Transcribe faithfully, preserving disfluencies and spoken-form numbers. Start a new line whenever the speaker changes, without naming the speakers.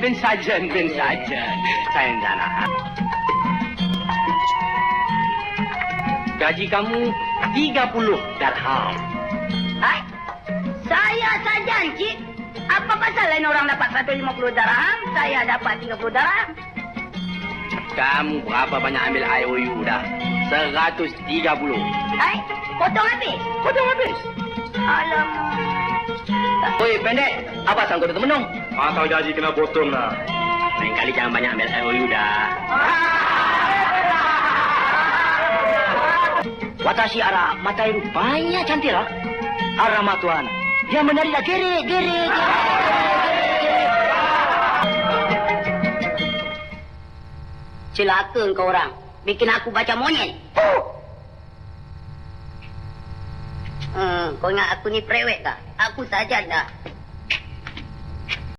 ben saja, ben saja. Sayang Zana. Gaji kamu tiga puluh dirham.
Hai? Saya saja, Encik. Apa pasal lain orang dapat seratus lima puluh dirham, saya dapat tiga puluh dirham?
Kamu berapa banyak ambil I O U dah? seratus tiga puluh.
Hai? Potong habis?
Potong habis.
Alamak.
Oi, pendek. Apa sangkut itu menung?
Pasal gaji kena potong lah.
Lain kali jangan banyak ambil I O U dah. Watashi ara matai rupanya cantik lah. Arama tuan. Yang menari dah gerik, gerik, gerik.
Celaka kau orang. Bikin aku baca monyet. Hmm, kau ingat aku ni prewek kah? Aku saja dah.